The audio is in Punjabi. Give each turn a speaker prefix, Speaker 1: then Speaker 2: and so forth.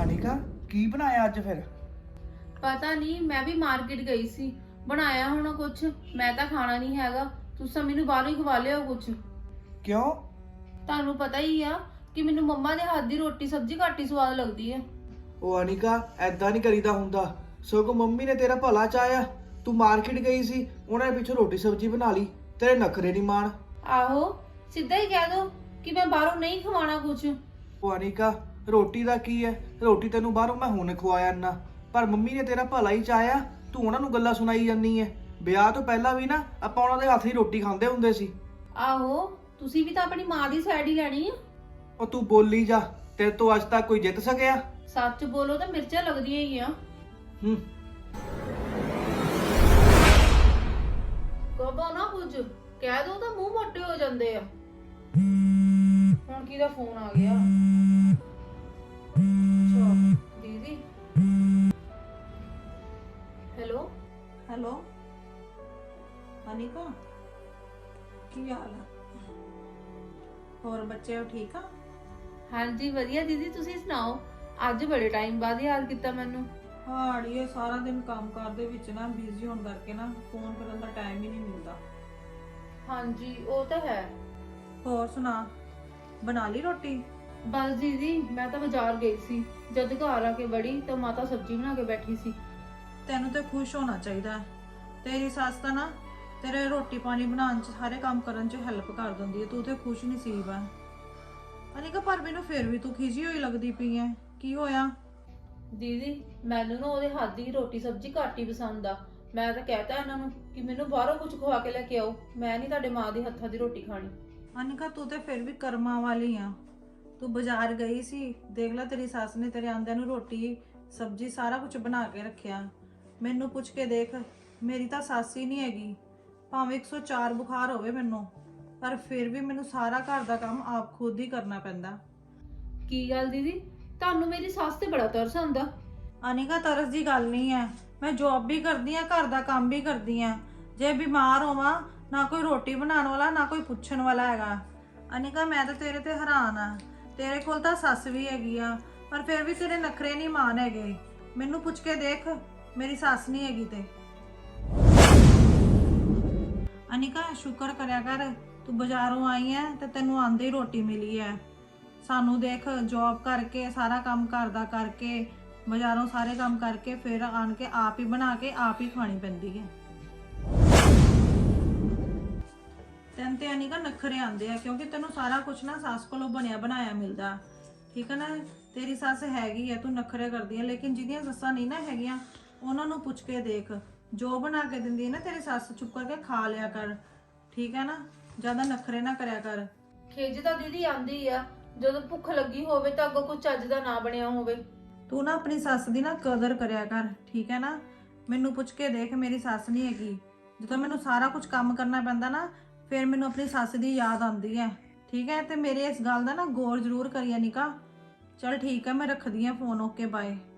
Speaker 1: ਅਨਿਕਾ ਕੀ ਬਣਾਇਆ ਅੱਜ ਫਿਰ?
Speaker 2: ਪਤਾ ਨਹੀਂ, ਮੈਂ ਵੀ ਮਾਰਕੀਟ ਗਈ ਸੀ। ਬਣਾਇਆ ਹੋਣਾ ਕੁਛ, ਮੈਂ ਤਾਂ ਖਾਣਾ ਨਹੀਂ ਹੈਗਾ। ਤੁਸੀਂ ਮੈਨੂੰ ਬਾਹਰੋਂ ਹੀ ਖਵਾ ਲਿਓ ਕੁਛ।
Speaker 1: ਕਿਉਂ?
Speaker 2: ਤੁਹਾਨੂੰ ਪਤਾ ਹੀ ਆ ਕਿ ਮੈਨੂੰ ਮੰਮਾ ਦੇ ਹੱਥ ਦੀ ਰੋਟੀ ਸਬਜ਼ੀ ਘੱਟ ਹੀ ਸਵਾਦ ਲੱਗਦੀ ਹੈ।
Speaker 1: ਉਹ ਅਨਿਕਾ ਐਦਾਂ ਨਹੀਂ ਕਰੀਦਾ ਹੁੰਦਾ। ਸਗੋਂ ਮੰਮੀ ਨੇ ਤੇਰਾ ਭਲਾ ਚਾਹਿਆ। ਤੂੰ ਮਾਰਕੀਟ ਗਈ ਸੀ, ਉਹਨਾਂ ਨੇ ਪਿੱਛੋਂ ਰੋਟੀ ਸਬਜ਼ੀ ਬਣਾ ਲਈ। ਤੇਰੇ ਨਖਰੇ ਨਹੀਂ ਮਾਣ।
Speaker 2: ਆਹੋ, ਸਿੱਧਾ ਹੀ ਕਹਿ ਦੋ ਕਿ ਮੈਂ ਬਾਹਰੋਂ ਨਹੀਂ ਖਵਾਣਾ ਕੁਛ।
Speaker 1: ਉਹ ਅਨਿਕਾ ਰੋਟੀ ਦਾ ਕੀ ਹੈ? ਰੋਟੀ ਤੈਨੂੰ ਬਾਹਰੋਂ ਮੈਂ ਹੁਣ ਖਵਾਇਆ ਨਾ, ਪਰ ਮੰਮੀ ਨੇ ਤੇਰਾ ਭਲਾ ਹੀ ਚਾਹਿਆ। ਤੂੰ ਉਹਨਾਂ ਨੂੰ ਗੱਲਾਂ ਸੁਣਾਈ ਜਾਂਦੀ ਹੈ। ਵਿਆਹ ਤੋਂ ਪਹਿਲਾਂ ਵੀ ਨਾ ਆਪਾਂ ਉਹਨਾਂ ਦੇ ਹੱਥ ਦੀ ਰੋਟੀ ਖਾਂਦੇ ਹੁੰਦੇ ਸੀ।
Speaker 2: ਆਹੋ, ਤੁਸੀਂ ਵੀ ਤਾਂ ਆਪਣੀ ਮਾਂ ਦੀ ਸਾਈਡ ਹੀ ਲੈਣੀ ਆ।
Speaker 1: ਉਹ ਤੂੰ ਬੋਲੀ ਜਾ, ਤੇਰੇ ਤੋਂ ਅੱਜ ਤੱਕ ਕੋਈ ਜਿੱਤ ਸਕਿਆ?
Speaker 2: ਸੱਚ ਬੋਲੋ ਤਾਂ ਮਿਰਚਾਂ ਲੱਗਦੀਆਂ ਹੀ ਆ। ਕਹੋ ਨਾ ਕੁਝ, ਕਹਿ ਦੋ ਤਾਂ ਮੂੰਹ ਮੋਟੇ ਹੋ ਜਾਂਦੇ ਆ। ਹੁਣ ਕਿਹਦਾ ਫੋਨ ਆ ਗਿਆ? ਅੱਛਾ ਦੀਦੀ। ਹੈਲੋ
Speaker 3: ਹੈਲੋ ਅਨਿਕਾ, ਕੀ ਹਾਲ ਹੈ? ਹੋਰ ਬੱਚੇ ਠੀਕ ਆ?
Speaker 2: ਹਾਂਜੀ ਵਧੀਆ ਦੀਦੀ, ਤੁਸੀਂ ਸੁਣਾਓ? ਅੱਜ ਬੜੇ ਟਾਈਮ ਬਾਅਦ ਯਾਦ ਕੀਤਾ ਮੈਨੂੰ।
Speaker 3: ਹਾਂ ਅੜੀਏ, ਸਾਰਾ ਦਿਨ ਕੰਮ ਦੇ ਵਿੱਚ ਨਾ ਬਿਜ਼ੀ ਹੋਣ ਕਰਕੇ ਨਾ ਫੋਨ ਕਰਨ ਦਾ ਟਾਈਮ ਹੀ ਨਹੀਂ ਮਿਲਦਾ।
Speaker 2: ਹਾਂਜੀ ਉਹ ਤਾਂ ਹੈ।
Speaker 3: ਹੋਰ ਸੁਣਾ, ਬਣਾ ਲਈ ਰੋਟੀ?
Speaker 2: ਬਸ ਦੀਦੀ, ਮੈਂ ਤਾਂ ਬਾਜ਼ਾਰ ਗਈ ਸੀ। ਜਦ ਘਰ ਆ ਕੇ ਵੜੀ ਤਾਂ ਮਾਤਾ ਸਬਜ਼ੀ ਬਣਾ ਕੇ ਬੈਠੀ ਸੀ।
Speaker 3: ਤੈਨੂੰ ਤੇ ਖੁਸ਼ ਹੋਣਾ ਚਾਹੀਦਾ। ਤੇਰੀ ਸੱਸ ਤਾਂ ਨਾ ਤੇਰੇ ਰੋਟੀ ਪਾਣੀ ਬਣਾਉਣ ਚ, ਸਾਰੇ ਕੰਮ ਕਰਨ ਚ ਹੈਲਪ ਕਰ ਦਿੰਦੀ ਹੈ। ਤੂੰ ਤੇ ਖੁਸ਼ ਨਸੀਬ ਹੈ। ਅਨਿਕਾ ਪਰ ਮੈਨੂੰ ਫਿਰ ਵੀ ਤੂੰ ਖਿਜੀ ਹੋਈ ਲੱਗਦੀ ਪਈ ਹੈ। ਕੀ ਹੋਇਆ?
Speaker 2: ਦੀਦੀ ਮੈਨੂੰ ਨਾ ਉਹਦੇ ਹੱਥ ਦੀ ਰੋਟੀ ਸਬਜ਼ੀ ਘੱਟ ਹੀ ਪਸੰਦ ਆ। ਮੈਂ ਤਾਂ ਕਹਿਤਾ ਇਹਨਾਂ ਨੂੰ ਕਿ ਮੈਨੂੰ ਬਾਹਰੋਂ ਕੁਝ ਖਵਾ ਕੇ ਲੈ ਕੇ ਆਓ। ਮੈਂ ਨਹੀਂ ਤੁਹਾਡੇ ਮਾਂ ਦੇ ਹੱਥਾਂ ਦੀ ਰੋਟੀ ਖਾਣੀ।
Speaker 3: ਅਨਿਕਾ ਤੂੰ ਤੇ ਫਿਰ ਵੀ ਕਰਮਾਂ ਵਾਲੀ ਆ। ਤੂੰ ਬਾਜ਼ਾਰ ਗਈ ਸੀ, ਦੇਖ ਲੈ ਤੇਰੀ ਸੱਸ ਨੇ ਤੇਰੇ ਆਂਦਿਆਂ ਨੂੰ ਰੋਟੀ ਸਬਜ਼ੀ ਸਾਰਾ ਕੁਝ ਬਣਾ ਕੇ ਰੱਖਿਆ। ਮੈਨੂੰ ਪੁੱਛ ਕੇ ਦੇਖ, ਮੇਰੀ ਤਾਂ ਸੱਸ ਹੀ ਨਹੀਂ ਹੈਗੀ। ਭਾਵੇਂ 104 ਬੁਖਾਰ ਹੋਵੇ ਮੈਨੂੰ, ਪਰ ਫਿਰ ਵੀ ਮੈਨੂੰ ਸਾਰਾ ਘਰ ਦਾ ਕੰਮ ਆਪ ਖੁਦ ਹੀ ਕਰਨਾ ਪੈਂਦਾ।
Speaker 2: ਕੀ ਗੱਲ ਦੀਦੀ, ਤੁਹਾਨੂੰ ਮੇਰੀ ਸੱਸ ਤੇ ਬੜਾ ਤਰਸ ਆਉਂਦਾ।
Speaker 3: ਅਨਿਕਾ ਤਰਸ ਦੀ ਗੱਲ ਨਹੀਂ ਹੈ। ਮੈਂ ਜੌਬ ਵੀ ਕਰਦੀ ਆ, ਘਰ ਦਾ ਕੰਮ ਵੀ ਕਰਦੀ ਆ। ਜੇ ਬਿਮਾਰ ਹੋਵਾਂ, ਨਾ ਕੋਈ ਰੋਟੀ ਬਣਾਉਣ ਵਾਲਾ, ਨਾ ਕੋਈ ਪੁੱਛਣ ਵਾਲਾ ਹੈਗਾ। ਅਨਿਕਾ ਮੈਂ ਤਾਂ ਤੇਰੇ ਤੇ ਹੈਰਾਨ ਆ। ਤੇਰੇ ਕੋਲ ਤਾਂ ਸੱਸ ਵੀ ਹੈਗੀ ਆ, ਪਰ ਫਿਰ ਵੀ ਤੇਰੇ ਨਖਰੇ ਨਹੀਂ ਮਾਣ ਹੈਗੇ। ਮੈਨੂੰ ਪੁੱਛ ਕੇ ਦੇਖ, ਮੇਰੀ ਸੱਸ ਨਹੀਂ ਹੈਗੀ ਤੇ। ਅਨਿਕਾ ਸ਼ੁਕਰ ਕਰਿਆ ਕਰ, ਤੂੰ ਬਾਜ਼ਾਰੋਂ ਆਈ ਐ ਤੇ ਤੈਨੂੰ ਆਂਦੇ ਹੀ ਰੋਟੀ ਮਿਲੀ ਐ। ਸਾਨੂੰ ਦੇਖ, ਜੌਬ ਕਰਕੇ, ਸਾਰਾ ਕੰਮ ਘਰ ਦਾ ਕਰਕੇ, ਬਾਜ਼ਾਰੋਂ ਸਾਰੇ ਕੰਮ ਕਰਕੇ, ਫਿਰ ਆਣ ਕੇ ਆਪ ਹੀ ਬਣਾ ਕੇ ਆਪ ਹੀ ਖਾਣੀ ਪੈਂਦੀ ਹੈ। ਤੈਨੂੰ ਤੇ ਅਨਿਕਾ ਨਖਰੇ ਆਂਦੇ ਆ, ਕਿਉਂਕਿ ਤੈਨੂੰ ਸਾਰਾ ਕੁਝ ਨਾ ਸੱਸ ਕੋਲੋਂ ਬਣਿਆ ਬਣਾਇਆ ਮਿਲਦਾ। ਠੀਕ ਹੈ ਨਾ? ਤੇਰੀ ਸੱਸ ਹੈਗੀ ਹੈ, ਤੂੰ ਨਖਰੇ ਕਰਦੀ ਹੈ, ਲੇਕਿਨ ਜਿਹਦੀਆਂ ਸੱਸਾਂ ਨਹੀਂ ਨਾ ਹੈਗੀਆਂ, ਉਹਨਾਂ ਨੂੰ ਪੁੱਛ ਕੇ ਦੇਖ, ਜੋ ਬਣਾ ਕੇ ਦਿੰਦੀ ਹੈ ਨਾ ਤੇਰੀ ਸੱਸ, ਚੁੱਪ ਕਰਕੇ ਖਾ ਲਿਆ ਕਰ। ਠੀਕ ਹੈ ਨਾ? ਜ਼ਿਆਦਾ ਨਖਰੇ ਨਾ ਕਰਿਆ ਕਰ।
Speaker 2: ਖਿਜ ਤਾਂ ਦੀਦੀ ਆਂਦੀ ਆ ਜਦੋਂ ਭੁੱਖ ਲੱਗੀ ਹੋਵੇ ਤਾਂ ਅੱਗੋਂ ਕੁਝ ਚੱਜ ਦਾ ਨਾ ਬਣਿਆ ਹੋਵੇ।
Speaker 3: ਤੂੰ ਨਾ ਆਪਣੀ ਸੱਸ ਦੀ ਨਾ ਕਦਰ ਕਰਿਆ ਕਰ। ਠੀਕ ਹੈ ਨਾ? ਮੈਨੂੰ ਪੁੱਛ ਕੇ ਦੇਖ, ਮੇਰੀ ਸੱਸ ਨਹੀਂ ਹੈਗੀ। ਜਦੋਂ ਮੈਨੂੰ ਸਾਰਾ ਕੁਝ ਕੰਮ ਕਰਨਾ ਪੈਂਦਾ ਨਾ, ਫਿਰ ਮੈਨੂੰ ਆਪਣੀ ਸੱਸ ਦੀ ਯਾਦ ਆਉਂਦੀ ਹੈ। ਠੀਕ ਹੈ? ਤੇ ਮੇਰੇ ਇਸ ਗੱਲ ਦਾ ਨਾ ਗੌਰ ਜ਼ਰੂਰ ਕਰੀ ਅਨਿਕਾ। ਚਲ ਠੀਕ ਹੈ, ਮੈਂ ਰੱਖਦੀ ਹਾਂ ਫੋਨ। Okay bye.